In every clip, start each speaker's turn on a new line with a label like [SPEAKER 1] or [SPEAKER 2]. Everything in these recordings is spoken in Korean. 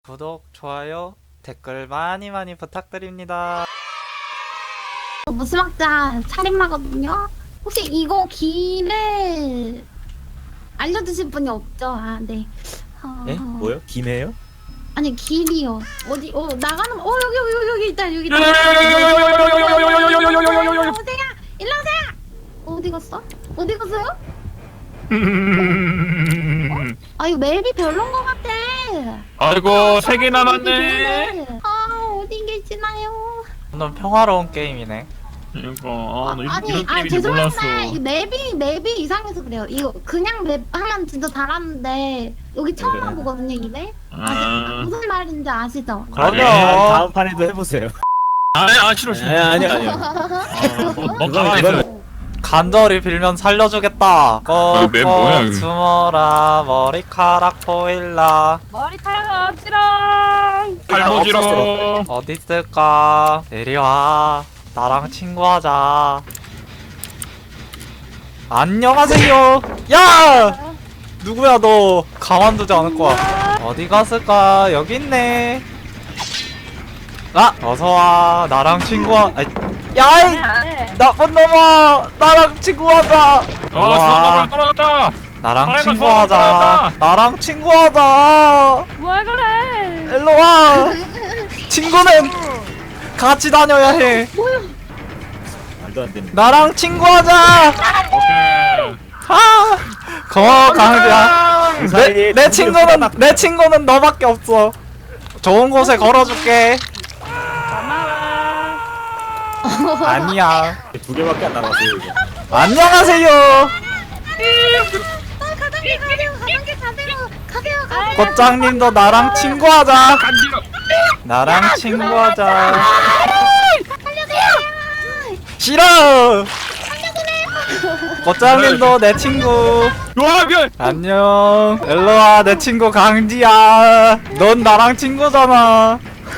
[SPEAKER 1] 구독, 좋아요, 댓글 많이 부탁드립니다.
[SPEAKER 2] 무스막자 살인마거든요. 혹시 이거 길을 알려주실 분이 없죠? 아, 네.
[SPEAKER 3] 에? 뭐요? 김해요?
[SPEAKER 2] 아니 길이요. 어디? 나가는. 여기 있다. 여기 있다. 어디야? 일로 오세요. 어디 갔어? 어디 갔어요? 아 이거 맵이 별론 것 같아.
[SPEAKER 4] 아이고 3개 남았네.
[SPEAKER 2] 어디 계시나요?
[SPEAKER 1] 오늘 평화로운 게임이네.
[SPEAKER 4] 이거 나
[SPEAKER 2] 아니,
[SPEAKER 4] 이런 게임인지
[SPEAKER 2] 죄송합니다.
[SPEAKER 4] 몰랐어.
[SPEAKER 2] 이 맵이 이상해서 그래요. 이거 그냥 맵 하면 진짜 잘하는데 여기 처음
[SPEAKER 3] 네.
[SPEAKER 2] 와보거든요, 이게.
[SPEAKER 4] 아.
[SPEAKER 2] 무슨 말인지 아시죠?
[SPEAKER 1] 그럼요.
[SPEAKER 3] 다음 판에도 해보세요.
[SPEAKER 4] 싫어.
[SPEAKER 3] 아니요.
[SPEAKER 4] 멍청하겠어.
[SPEAKER 1] 간절히 빌면 살려주겠다.
[SPEAKER 4] 맵 뭐야,
[SPEAKER 1] 꼭꼭
[SPEAKER 4] 이거?
[SPEAKER 1] 숨어라 머리카락 보일라.
[SPEAKER 2] 머리카락 어지러.
[SPEAKER 4] 발모지로.
[SPEAKER 1] 어디 있을까? 내려와. 나랑 친구하자. 안녕하세요. 야! 누구야 너? 가만두지 않을 거야. 어디 갔을까? 여기 있네. 아! 어서와. 나랑 친구하. 아이, 야이! 나쁜 놈아! 나랑 친구하자!
[SPEAKER 4] 수학을 떨어졌다.
[SPEAKER 1] 나랑
[SPEAKER 4] 사람은
[SPEAKER 1] 친구하자.
[SPEAKER 4] 수학을
[SPEAKER 1] 나랑 친구하자.
[SPEAKER 2] 뭘 그래?
[SPEAKER 1] 일로 와. 친구는 같이 다녀야 해.
[SPEAKER 3] 말도 안 됩니다.
[SPEAKER 1] 나랑 친구하자.
[SPEAKER 4] 오케이.
[SPEAKER 1] 아, 고마워 강지야. 내 친구는 너밖에 없어. 좋은 곳에 걸어줄게. 아니야.
[SPEAKER 3] 2개밖에 안 남았어요. 이제.
[SPEAKER 1] 안녕하세요.
[SPEAKER 2] 가세요.
[SPEAKER 1] 꽃장님도 나랑 친구하자.
[SPEAKER 4] 간지러.
[SPEAKER 1] 나랑 친구하자. 싫어. 꽃장님도 내 친구.
[SPEAKER 4] 와 별.
[SPEAKER 1] 안녕. 일로와 내 친구 강지야. 넌 나랑 친구잖아.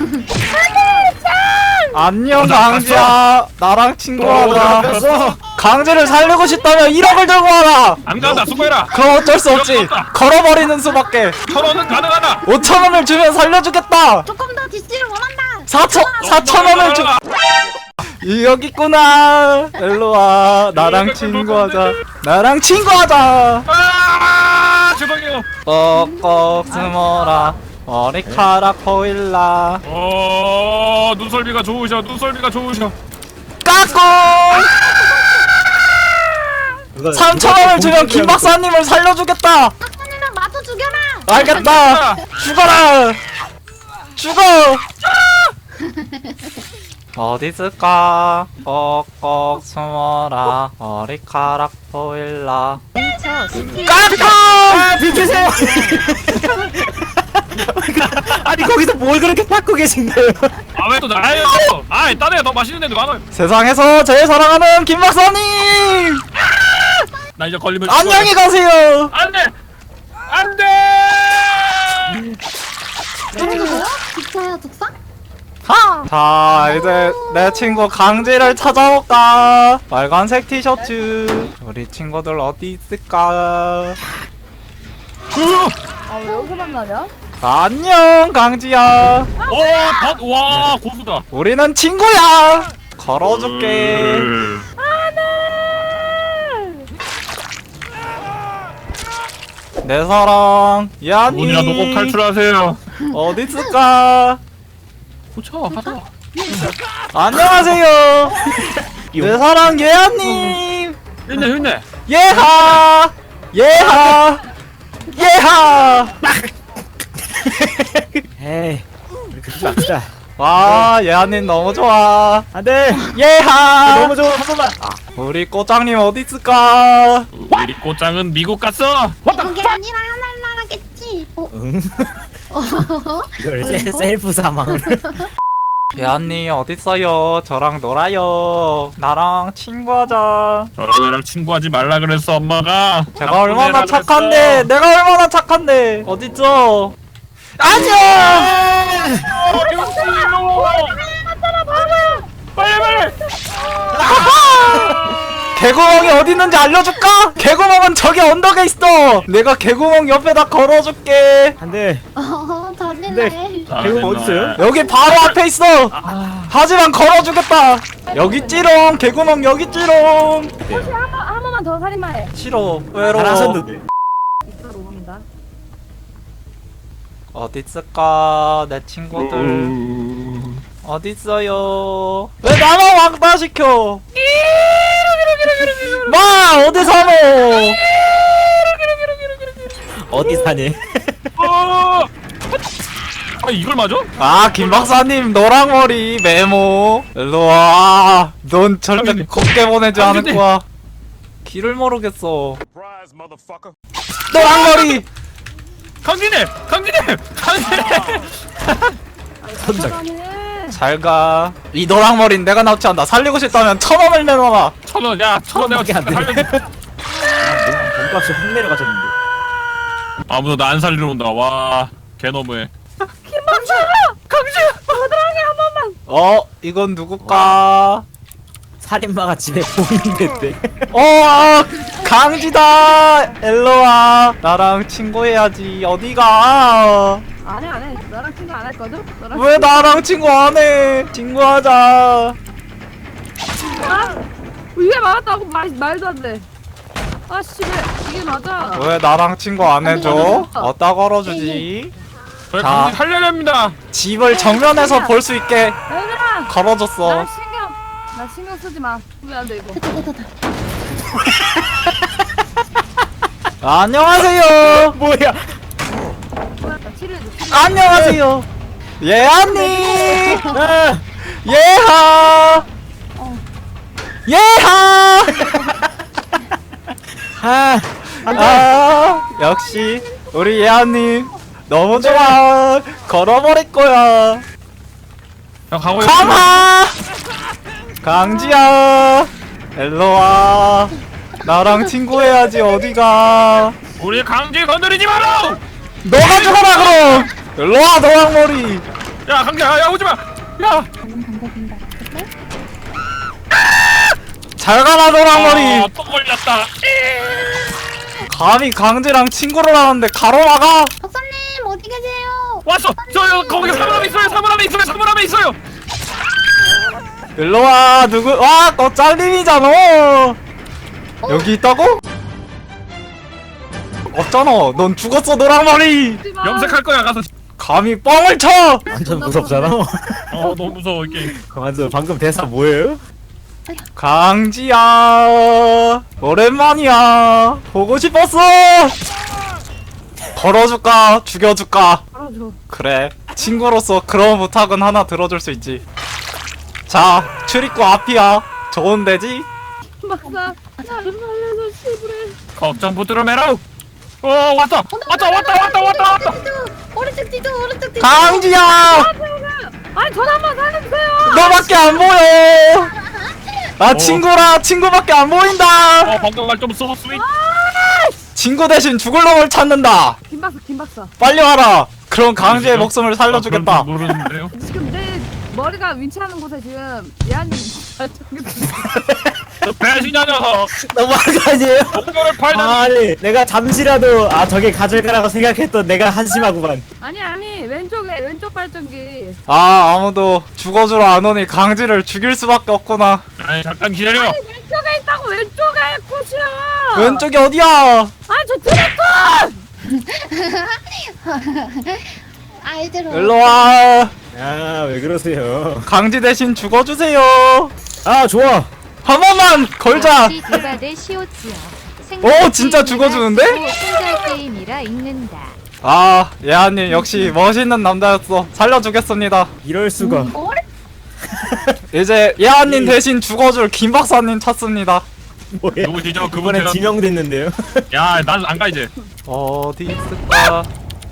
[SPEAKER 1] 안녕 강지야. 나랑 친구하자. 강지를 살리고 싶다면 1억을 들고 와라.
[SPEAKER 4] 안 간다. 수고해라.
[SPEAKER 1] 그럼 어쩔 수 없지. 걸어버리는 수밖에.
[SPEAKER 4] 1,000원은 가능하다.
[SPEAKER 1] 5,000원을 주면 살려주겠다.
[SPEAKER 2] 조금 더 DC를 원한다.
[SPEAKER 1] 4,000원을 주. 여기 있구나. 일로와 나랑 친구하자. 나랑 친구하자.
[SPEAKER 4] 죄송해요.
[SPEAKER 1] 꼭꼭 숨어라 머리카락 보일라.
[SPEAKER 4] 눈썰미가 좋으셔.
[SPEAKER 1] 까꿍. 3,000원을 주면 김 박사님을 살려주겠다.
[SPEAKER 2] 박사님이랑 마저 죽여라.
[SPEAKER 1] 알겠다. 죽어라. 죽어. 어디 있을까? 꼭꼭 숨어라 머리카락 보일라. 까꿍.
[SPEAKER 3] 비키세요. 아니 거기서 뭘 그렇게 닦고 계신 거예요?
[SPEAKER 4] 왜 또 나예요? 딴 애가 더 맛있는 애도 많아요.
[SPEAKER 1] 세상에서 제일 사랑하는 김 박사님.
[SPEAKER 4] 나 이제 걸리면
[SPEAKER 1] 안녕히 가세요.
[SPEAKER 4] 안돼.
[SPEAKER 2] 이거 뭐야? 기차야 독사?
[SPEAKER 1] 자 이제 내 친구 강지를 찾아올까. 빨간색 티셔츠. 우리 친구들 어디 있을까.
[SPEAKER 2] 왜 여기서 만나냐?
[SPEAKER 1] 안녕 강지야.
[SPEAKER 4] 와 고수다.
[SPEAKER 1] 우리는 친구야. 걸어줄게. 내 사랑 야니
[SPEAKER 4] 문이라도 꼭 탈출하세요.
[SPEAKER 1] 어디 있을까.
[SPEAKER 4] 고쳐 가자.
[SPEAKER 1] 안녕하세요. 내 사랑 예아님.
[SPEAKER 4] 힘내.
[SPEAKER 1] 예하
[SPEAKER 3] 에이 그러지 맙시다.
[SPEAKER 1] 와 예아님 너무 좋아.
[SPEAKER 3] 안돼.
[SPEAKER 1] 예하.
[SPEAKER 3] 너무 좋아. 한 번만.
[SPEAKER 1] 우리 꽃장님 어디 있을까.
[SPEAKER 4] 우리 꽃장은 미국 갔어.
[SPEAKER 2] 그게 아니라 하나겠지.
[SPEAKER 3] 응. 이걸 셀프 사망을.
[SPEAKER 1] 예아님 어디 있어요. 저랑 놀아요. 나랑 친구하자.
[SPEAKER 4] 저랑 친구하지 말라 그랬어 엄마가.
[SPEAKER 1] 제가 얼마나
[SPEAKER 4] 나쁜 애라
[SPEAKER 1] 착한데.
[SPEAKER 4] 그랬어.
[SPEAKER 1] 내가 얼마나 착한데. 어딨죠. 안녕.
[SPEAKER 4] 빨리.
[SPEAKER 1] 개구멍이 어디 있는지 알려줄까? 개구멍은 저기 언덕에 있어. 내가 개구멍 옆에다 걸어줄게.
[SPEAKER 3] 안돼.
[SPEAKER 2] 자네 살리네.
[SPEAKER 3] 배우 어딨어요?
[SPEAKER 1] 여기 바로 앞에 있어. 하지만 걸어주겠다. 여기 찌롱 개구멍 여기 찌롱.
[SPEAKER 5] 한 번만 더 살인마해.
[SPEAKER 1] 싫어 외로워.
[SPEAKER 3] 잘하셨는데.
[SPEAKER 5] 이따로 옵니다.
[SPEAKER 1] 어디 있을까 내 친구들. 어디 있어요? 왜 나만 왕따시켜? 마 어디 사노?
[SPEAKER 3] 어디 사니?
[SPEAKER 4] 어! 아 이걸 맞아?
[SPEAKER 1] 아 김박사님 노랑머리 메모 일로와. 넌 절대
[SPEAKER 4] 강진님.
[SPEAKER 1] 걷게 보내지 않을
[SPEAKER 4] 강진님.
[SPEAKER 1] 거야. 길을 모르겠어. 노랑머리.
[SPEAKER 4] 강진님! 강진님! 강진님!
[SPEAKER 3] 손작.
[SPEAKER 1] 잘가. 이 노랑머리는 내가 납치한다. 살리고 싶다면 1,000원을 내놔라.
[SPEAKER 4] 1,000원 야 1,000원 내가
[SPEAKER 3] 밖에 안 돼.
[SPEAKER 4] 살려줄게.
[SPEAKER 3] 몸값이 확 내려가셨는데.
[SPEAKER 4] 아무도 나 안 살리러 온다 와 개너무해.
[SPEAKER 1] 이건 누굴까?
[SPEAKER 3] 살인마가 집에 보이는데.
[SPEAKER 1] 강지다. 일로와. 나랑 친구해야지. 어디가?
[SPEAKER 5] 안해. 너랑 친구 안 할 거죠? 너랑
[SPEAKER 1] 왜 나랑 친구 안 해? 친구하자.
[SPEAKER 5] 이게 맞았다고 말도 안 돼. 아씨 왜 이게 맞아?
[SPEAKER 1] 왜 나랑 친구 안 해줘?
[SPEAKER 5] 아니,
[SPEAKER 1] 어디다 걸어주지?
[SPEAKER 4] 저희
[SPEAKER 1] 자.
[SPEAKER 4] 강진 살려야 합니다.
[SPEAKER 1] 집을 정면에서 볼 수 있게
[SPEAKER 5] 얘들아,
[SPEAKER 1] 걸어줬어.
[SPEAKER 5] 나 신경 쓰지 마. 보면 안 돼 이거.
[SPEAKER 2] 됐다.
[SPEAKER 1] 안녕하세요.
[SPEAKER 3] 뭐야?
[SPEAKER 5] 뭐야? 나 치료해줘.
[SPEAKER 1] 안녕하세요. 예언니.
[SPEAKER 3] 아,
[SPEAKER 1] 예하. 예하. 역시 우리 예언님 너무 좋아. 걸어버릴 거야.
[SPEAKER 4] 형 가고
[SPEAKER 1] 가마. 강지야. 일로와. 나랑 친구해야지. 어디가?
[SPEAKER 4] 우리 강진 건드리지 마라.
[SPEAKER 1] 너가 죽어라 그럼. 일로와 노랑머리.
[SPEAKER 4] 야 강진 야 오지 마. 야.
[SPEAKER 1] 잘 가라 노랑머리.
[SPEAKER 4] 또 걸렸다.
[SPEAKER 1] 감히 강지랑 친구를 하는데 가로막아.
[SPEAKER 2] 박사님 어디 계세요?
[SPEAKER 4] 왔어. 저 거기 사물함에 있어요. 사물함에 있어요. 사물함에 있어요.
[SPEAKER 1] 일로와. 누구? 와, 너 짤림이잖아. 여기 있다고? 없잖아. 넌 죽었어 노랑머리.
[SPEAKER 4] 염색할 거야 가서.
[SPEAKER 1] 감히 뻥을 쳐.
[SPEAKER 3] 완전 무섭잖아.
[SPEAKER 4] 너무 무서워 이 게임.
[SPEAKER 3] 완전 방금 대사 뭐예요?
[SPEAKER 1] 강지야 오랜만이야. 보고 싶었어. 걸어줄까 죽여줄까.
[SPEAKER 5] 알아줘.
[SPEAKER 1] 그래 친구로서 그런 부탁은 하나 들어줄 수 있지. 자 출입구 앞이야. 좋은 데지?
[SPEAKER 5] 박사, 나를 살려줘 씨부래.
[SPEAKER 4] 걱정 붙들어 매라. 왔다.
[SPEAKER 2] 오른쪽 뒤도 오른쪽 뒤도.
[SPEAKER 1] 강지야
[SPEAKER 5] 아니 전화 한번 살려주세요.
[SPEAKER 1] 너밖에 안 보여. 나 친구라. 친구밖에 안 보인다.
[SPEAKER 4] 방금 말좀 써 스윗.
[SPEAKER 1] 친구 대신 죽을 놈을 찾는다.
[SPEAKER 5] 김 박사.
[SPEAKER 1] 빨리 와라. 그럼 강지의 목숨을 살려주겠다.
[SPEAKER 4] 모르는데요.
[SPEAKER 5] 지금 내 머리가 윈치하는 곳에 지금 예안님
[SPEAKER 4] 배신자 녀석.
[SPEAKER 3] 너무한 거 아니에요?
[SPEAKER 4] 목표를 팔다니.
[SPEAKER 3] 아니 내가 잠시라도 저게 가질 거라고 생각했던 내가 한심하구만.
[SPEAKER 5] 아니 왼쪽 발전기.
[SPEAKER 1] 아무도 죽어주러 안 오니 강지를 죽일 수밖에 없구나.
[SPEAKER 4] 아니 잠깐 기다려.
[SPEAKER 5] 왼쪽에 있다고 왼쪽에 꽃이야.
[SPEAKER 1] 왼쪽이 어디야?
[SPEAKER 5] 아니 저 트래커.
[SPEAKER 2] 아이들
[SPEAKER 1] 일로와.
[SPEAKER 3] 야왜 그러세요?
[SPEAKER 1] 강지 대신 죽어주세요.
[SPEAKER 3] 아 좋아.
[SPEAKER 1] 한 번만 걸자.
[SPEAKER 6] 대바대 시오치요.
[SPEAKER 1] 오, 진짜 죽어주는데?
[SPEAKER 6] 혼자 게임이라 읽는다.
[SPEAKER 1] 예아님 역시 멋있는 남자였어. 살려주겠습니다.
[SPEAKER 3] 이럴 수가.
[SPEAKER 1] 이제 예아님 대신 죽어줄 김 박사님 찾습니다.
[SPEAKER 3] 뭐야?
[SPEAKER 4] 누구시죠? 그분
[SPEAKER 3] 이번엔
[SPEAKER 4] 제가.
[SPEAKER 3] 지명됐는데요.
[SPEAKER 4] 야난 안 가 이제.
[SPEAKER 1] 어디 있을까?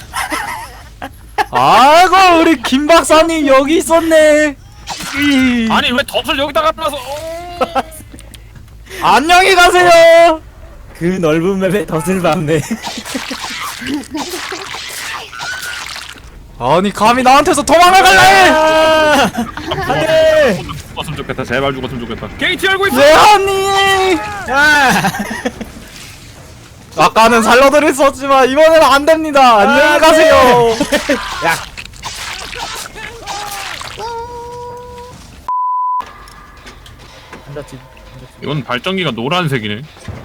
[SPEAKER 1] 아이고 우리 김 박사님 여기 있었네.
[SPEAKER 4] 아니 왜 덫을 여기다가 놔서.
[SPEAKER 1] 안녕히 가세요.
[SPEAKER 3] 그 넓은 맵에 덫을 밟네.
[SPEAKER 1] 아니 감히 나한테서 도망을 갈래?
[SPEAKER 3] 안돼.
[SPEAKER 4] 죽었으면 좋겠다. 제발 죽었으면 좋겠다. 게이트 열고 있어.
[SPEAKER 1] 예아님. 아까는 살려드릴 수 없지만 이번에는 안 됩니다. 안녕히 가세요.
[SPEAKER 3] 야 앉았지.
[SPEAKER 4] 이건 발전기가 노란색이네.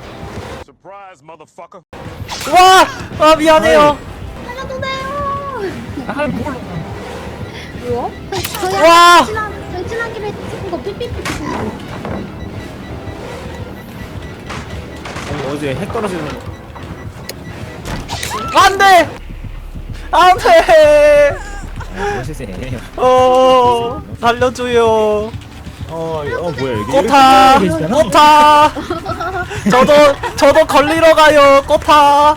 [SPEAKER 1] 와! 아 미안해요.
[SPEAKER 2] 살려주세요.
[SPEAKER 4] 아 뭘?
[SPEAKER 5] 뭐야?
[SPEAKER 1] 와!
[SPEAKER 2] 저희 친한 김에 찍은 거 삐삐삐.
[SPEAKER 3] 어제 핵 떨어지는 거.
[SPEAKER 1] 안돼! 안돼!
[SPEAKER 3] 세상에.
[SPEAKER 1] 살려줘요.
[SPEAKER 3] 뭐야 여기?
[SPEAKER 1] 꽃아!
[SPEAKER 3] 이렇게 계시잖아.
[SPEAKER 1] 꽃아! 저도 걸리러 가요. 꽃아!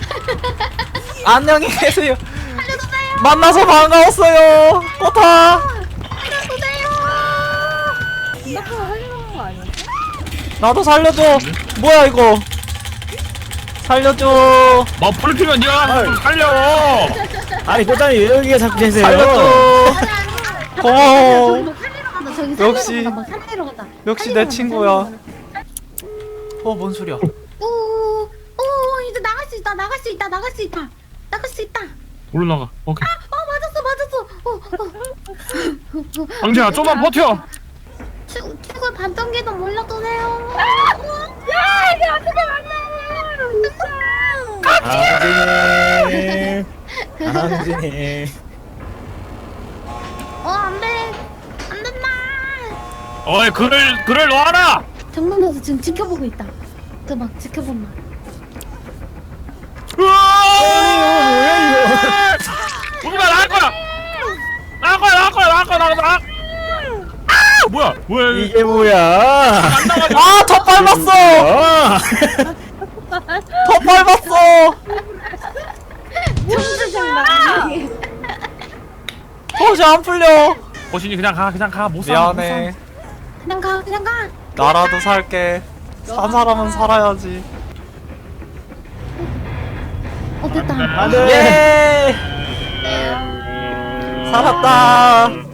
[SPEAKER 1] 안녕히 계세요. 만나서 반가웠어요. 꽃아!
[SPEAKER 5] 생각보다 하려는 거 아니야?
[SPEAKER 1] 나도 살려줘. 뭐야 이거? 살려줘.
[SPEAKER 4] 머플 네가 좀 살려.
[SPEAKER 3] 아니 꽃다니 왜 여기에 자꾸 계세요?
[SPEAKER 1] 살려줘. 고마워. 역시.
[SPEAKER 2] 살리러 가자.
[SPEAKER 1] 역시 내 친구야. 뭔 소리야?
[SPEAKER 2] 오, 이제 나갈 수 있다. 나갈 수 있다. 나갈 수 있다. 나갈 수 있다.
[SPEAKER 4] 올라가. 오케이.
[SPEAKER 2] 맞았어.
[SPEAKER 4] 강재야 좀만 버텨.
[SPEAKER 2] 최고 반전기도 몰라도네요.
[SPEAKER 5] 야 이게 어떻게 만나?
[SPEAKER 3] 강진이.
[SPEAKER 2] 안돼. 안 된다.
[SPEAKER 4] 어이 글을 놓아라.
[SPEAKER 2] 정면에서 지금 지켜보고 있다. 그 막 지켜본다.
[SPEAKER 4] 우리가 나갈 거야. 나갈 거야. 아 뭐야 이거.
[SPEAKER 3] 이게 뭐야?
[SPEAKER 4] 안 나가지고.
[SPEAKER 1] 더 밟았어. 더 밟았어. 도시 안 풀려.
[SPEAKER 4] 거신이 그냥 가 못 사.
[SPEAKER 1] 미안해.
[SPEAKER 2] 그냥 가.
[SPEAKER 1] 나라도 살게. 산 사람은 살아야지.
[SPEAKER 2] 됐다.
[SPEAKER 3] 안돼.
[SPEAKER 1] 예. 살았다.